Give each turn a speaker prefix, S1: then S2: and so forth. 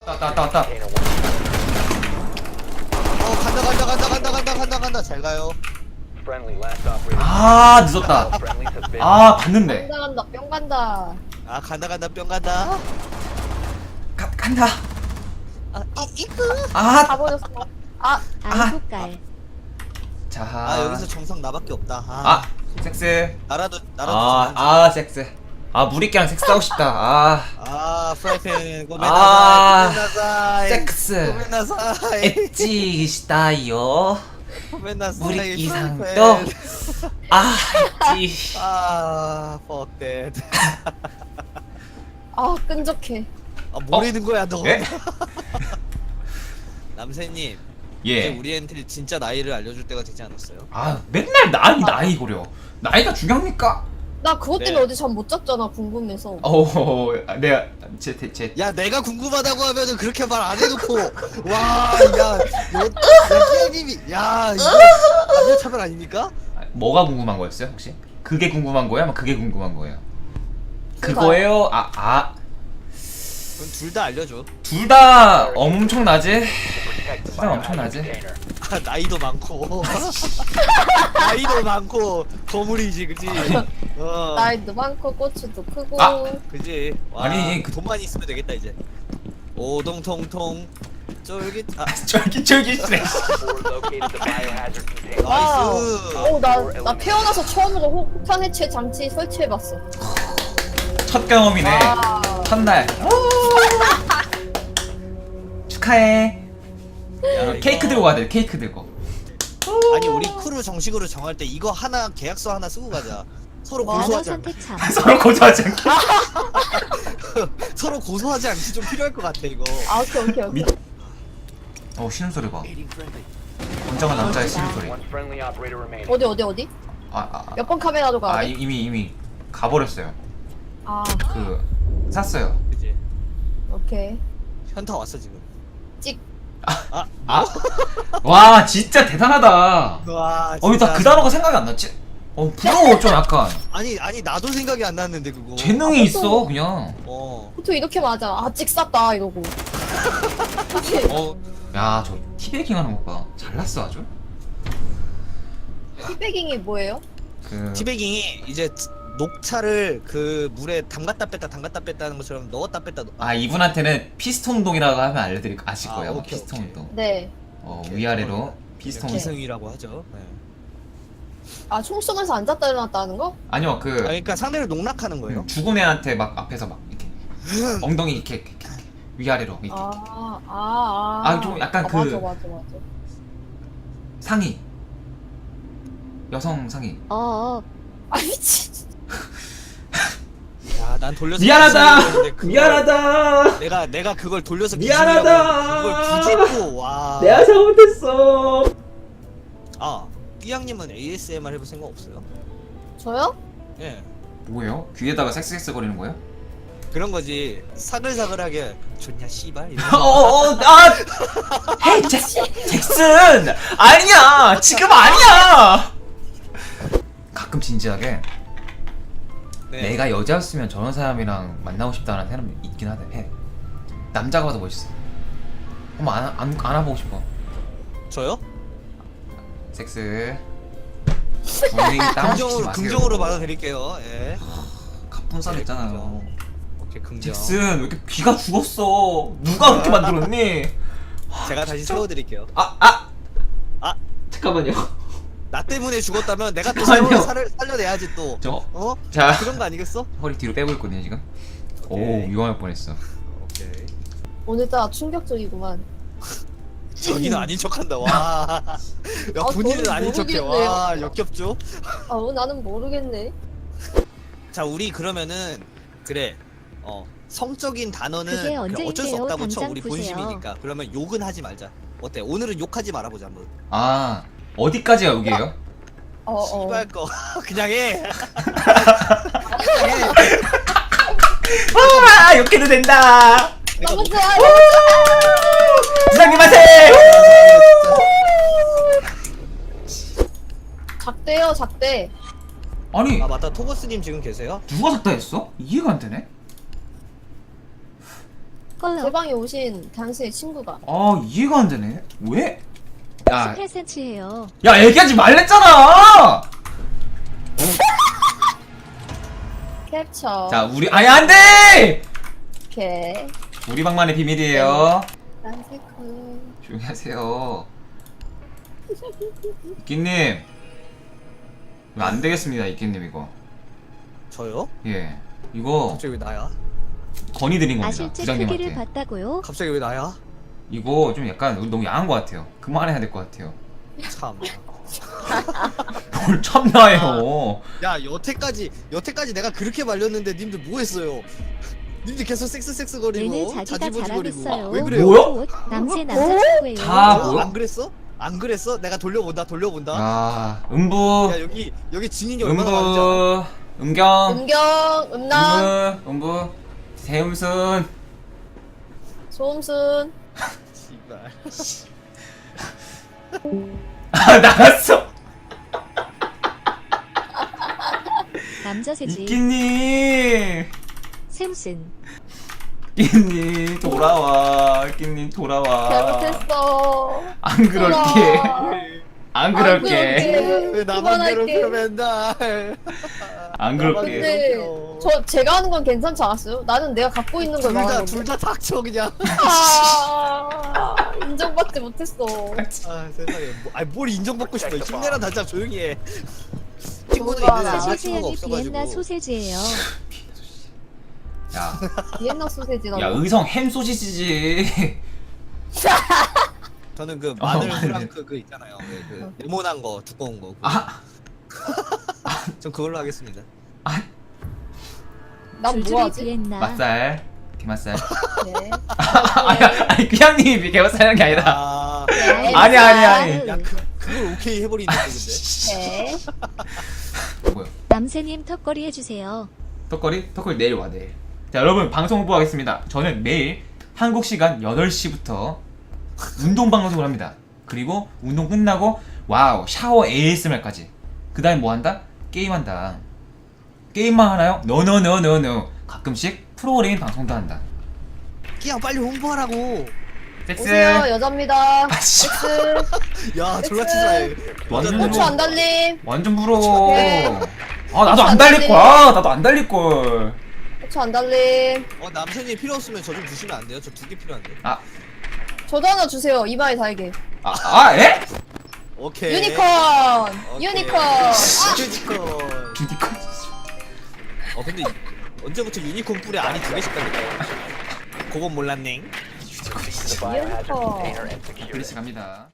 S1: 왔다.
S2: 간다. 잘 가요.
S1: 아, 늦었다. 아, 봤는데.
S3: 간다 뿅 간다.
S2: 아, 간다, 뿅 간다.
S1: 간다.
S2: 이끄.
S1: 아,
S3: 가버렸어. 아
S4: 안국갈.
S1: 자.
S2: 여기서 정성 나밖에 없다.
S1: 아, 섹스.
S2: 나라도.
S1: 섹스. 아, 무리끼랑 섹스하고 싶다.
S2: 프라이팬
S1: 아,
S2: 고멘나사이.
S1: 섹스.
S2: 고멘나사이.
S1: 엣지 시다요.
S2: 고멘나사이.
S1: 무리끼
S2: 프라이팬.
S1: 상도. 엣지.
S2: fuck that.
S3: 아 끈적해.
S2: 모르는 거야, 너.
S1: 예?
S2: 남세님. 이제
S1: 예.
S2: 우리한테 진짜 나이를 알려줄 때가 되지 않았어요?
S1: 아, 맨날 나이 고려. 나이가 중요합니까?
S3: 나 그것 때문에
S2: 네.
S3: 어제 잠 못 잤잖아 궁금해서.
S1: 내가 제
S2: 야, 내가 궁금하다고 하면은 그렇게 말 안 해놓고 끼양님이 이거 남녀 차별 아닙니까?
S1: 뭐가 궁금한 거였어요, 혹시? 그게 궁금한 거야? 아마 그게 궁금한 거예요.
S3: 둘
S1: 그거예요?
S2: 그럼 둘 다 알려줘.
S1: 둘 다 엄청나지? 둘 다 엄청나지?
S2: 나이도 많고 나이도 많고 거물이지, 그치?
S3: 나이도 많고 고추도 크고.
S2: 그지?
S1: 아니,
S2: 돈만 있으면 되겠다 이제. 오동통통 쫄깃.
S1: 쫄깃쫄깃해.
S3: 나 태어나서 처음으로 폭탄 해체 장치 설치해봤어.
S1: 첫 경험이네. 첫날. 축하해. 케이크 들고 가야 돼, 케이크 들고.
S2: 아니, 우리 크루 정식으로 정할 때 이거 하나, 계약서 하나 쓰고 가자. 서로
S3: 뭐?
S4: 단어
S2: 고소하지 않게.
S4: 선택 참.
S1: 서로 고소하지 않게.
S2: 서로 고소하지 않게 좀 필요할 것 같아 이거.
S3: 오케이.
S1: 신음소리 봐. 건장한 남자의 신음소리.
S3: 어디? 몇 번 카메라로 가야 돼?
S1: 이미 가버렸어요. 샀어요.
S2: 그지?
S3: 오케이.
S2: 현타 왔어 지금.
S3: 찍.
S1: 와, 진짜 대단하다.
S2: 와.
S1: 나 그 단어가 생각이 안 났지? 부러워, 좀 약간.
S2: 아니 나도 생각이 안 났는데 그거.
S1: 재능이 있어, 그냥.
S3: 보통 이렇게 맞아. 찍 쌌다 이러고. 그치?
S1: 야, 저 티베깅 하는 것 봐. 잘났어, 아주.
S3: 티베깅이 뭐예요?
S2: 티베깅이 이제 녹차를 그 물에 담갔다 뺐다 하는 것처럼 넣었다 뺐다.
S1: 이분한테는 피스톤 운동이라고 하면 아실 거예요.
S2: 오케이,
S1: 피스톤
S2: 오케이.
S1: 운동.
S3: 네.
S1: 위아래로 피스톤 운동.
S2: 기승이라고 하죠. 네.
S3: 총 쏘면서 앉았다 일어났다 하는 거?
S1: 아니요,
S2: 그러니까 상대를 농락하는 거예요.
S1: 죽은 애한테 막 앞에서 막 이렇게 엉덩이 이렇게 위아래로 이렇게. 좀 약간
S3: 맞아.
S1: 상의. 여성 상의.
S3: 미친.
S2: 야, 난 돌려서
S1: 미안하다.
S2: 내가 그걸 돌려서
S1: 미안하다.
S2: 그걸 부짓고 와.
S1: 내가 잘못했어.
S2: 삐양님은 ASMR 해볼 생각 없어요?
S3: 저요?
S2: 예.
S1: 뭐예요? 귀에다가 섹스 거리는 거예요?
S2: 그런 거지. 사글사글하게 좋냐 씨발. 이런
S1: 헤이 잭슨! 아니야! 지금 아니야! 가끔 진지하게
S2: 네.
S1: 내가 여자였으면 저런 사람이랑 만나고 싶다는 사람이 있긴 하대. 남자가 봐도 멋있어. 한번 안아보고 싶어.
S2: 저요?
S1: 섹스. 본인이 땀 시키지 마세요.
S2: 긍정으로 받아드릴게요. 예.
S1: 갑분싸 있잖아요.
S2: 오케이, 긍정.
S1: 잭슨 왜 이렇게 귀가 죽었어? 누가 그렇게 만들었니?
S2: 제가 다시 채워드릴게요.
S1: 잠깐만요.
S2: 나 때문에 죽었다면 내가 또
S1: 아니요.
S2: 살려내야지 또.
S1: 자,
S2: 그런 거 아니겠어?
S1: 허리 뒤로 빼고 있거든요 지금.
S2: 오케이.
S1: 위험할 뻔했어.
S2: 오케이.
S3: 오늘따라 충격적이구만.
S2: 저기는 아닌 척한다. 와. 야, 본인은
S3: 저는
S2: 아닌 척해.
S3: 모르겠네요.
S2: 와, 역겹죠?
S3: 나는 모르겠네.
S2: 자, 우리 그러면은 그래. 성적인 단어는
S4: 그게
S2: 어쩔 수
S4: 언제인데요?
S2: 없다고 쳐.
S4: 당장
S2: 우리
S4: 푸세요.
S2: 본심이니까. 그러면 욕은 하지 말자. 어때? 오늘은 욕하지 말아보자 한번.
S1: 어디까지가 여기에요?
S2: 씨발 거 그냥 해.
S1: 이렇게 해도 된다.
S3: 너무 좋아요.
S1: 부장님한테.
S3: 작대.
S1: 아니,
S2: 맞다. 토거스님 지금 계세요?
S1: 누가 샀다 했어? 이해가 안 되네.
S3: 제 방에 오신 당신의 친구가.
S1: 아 이해가 안 되네. 왜? 야,
S4: 18cm예요.
S1: 야 얘기하지 말랬잖아.
S3: 캡처.
S1: 자 우리 아니 안 돼.
S3: 오케이.
S1: 우리 방만의 비밀이에요.
S3: 란세크.
S1: 조용히 하세요. 이끼님 이거 안 되겠습니다. 이끼님 이거.
S2: 저요?
S1: 예. 이거
S2: 갑자기 왜 나야?
S1: 건의드린 겁니다.
S4: 아실제 크기를
S1: 부장님한테.
S4: 봤다고요?
S2: 갑자기 왜 나야?
S1: 이거 좀 약간 너무 야한 것 같아요. 그만해야 될 것 같아요.
S2: 참.
S1: 뭘 참나요?
S2: 야 여태까지 내가 그렇게 말렸는데 님들 뭐 했어요? 님들 계속 섹스 거리고
S4: 얘는 자기가
S2: 자지부지거리고.
S4: 잘하겠어요.
S2: 왜 그래요?
S1: 뭐야?
S4: 남새 남자친구예요.
S1: 다 뭐야?
S2: 안 그랬어? 안 그랬어? 내가 돌려본다.
S1: 아 음부
S2: 야 여기 증인이 얼마나 많은지 알아?
S1: 음부 음경
S3: 음경, 음란,
S1: 음부 세음순
S3: 소음순.
S2: 씨발.
S1: 아 나갔어.
S4: 남자세지.
S1: 이끼님
S4: 샘슨.
S1: 이끼님 돌아와. 이끼님 돌아와.
S3: 잘못했어.
S1: 안 그럴게. 안 그럴게.
S2: 왜 나만
S3: 그만할게.
S2: 괴롭혀 맨날.
S1: 안 그럴게.
S3: 근데 제가 하는 건 괜찮지 않았어요? 나는 내가 갖고 있는 걸 말하는 건데.
S2: 둘다 닥쳐 그냥.
S3: 아, 인정받지 못했어.
S2: 아 세상에. 뭘 인정받고 싶어. 힘내라 단자 조용히 해. 친구는
S3: 뭔가
S2: 있는데
S4: 사실
S2: 아 친구가
S4: 세연이 비엔나
S2: 없어가지고.
S4: 소세지예요.
S1: 야,
S3: 비엔나 소세지라고.
S1: 야 의성 햄 소시지지.
S2: 저는 그 마늘
S1: 마늘.
S2: 프랑크 그 있잖아요. 그 네모난 거 두꺼운 거.
S1: 아,
S2: 전 그걸로 하겠습니다.
S3: 난
S4: 줄줄이
S3: 뭐하지?
S4: 비엔나.
S1: 맛살, 게맛살.
S3: 네.
S1: 아니 그냥님이 게맛살하는 게 아니라.
S2: 아,
S3: 네.
S1: 아니.
S2: 야 그걸 오케이 해버리는데 근데.
S3: 네.
S1: 뭐야?
S4: 남새님 턱걸이 해주세요.
S1: 턱걸이 내일 와 내일. 자 여러분 방송 홍보하겠습니다. 저는 매일 한국 시간 8시부터 운동 방송을 합니다. 그리고 운동 끝나고 와우 샤워 ASMR까지. 그다음에 뭐 한다? 게임한다. 게임만 하나요? 노노노노노. 가끔씩 프로그램 방송도 한다.
S2: 그냥 빨리 홍보하라고.
S1: 섹스.
S3: 오세요, 여자입니다.
S1: 씨.
S3: 섹스.
S2: 야 졸라 치사해.
S1: 완전
S3: 고추 안 달림.
S1: 완전 부러워.
S3: 네.
S1: 아 나도 안 달릴 거야. 나도 안 달릴 걸.
S3: 고추 안 달림.
S2: 남편이 필요 없으면 저 좀 주시면 안 돼요? 저 2개 필요한데.
S3: 저도 하나 주세요. 이마에 달게.
S1: 에?
S2: 오케이.
S3: 유니콘.
S2: 오케이.
S3: 유니콘. 아,
S2: 유니콘.
S1: 유니콘.
S2: 근데 언제부터 유니콘 뿔에 알이 2개씩 달릴까요? 그건 몰랐네.
S3: 유니콘.
S1: 플리시 갑니다.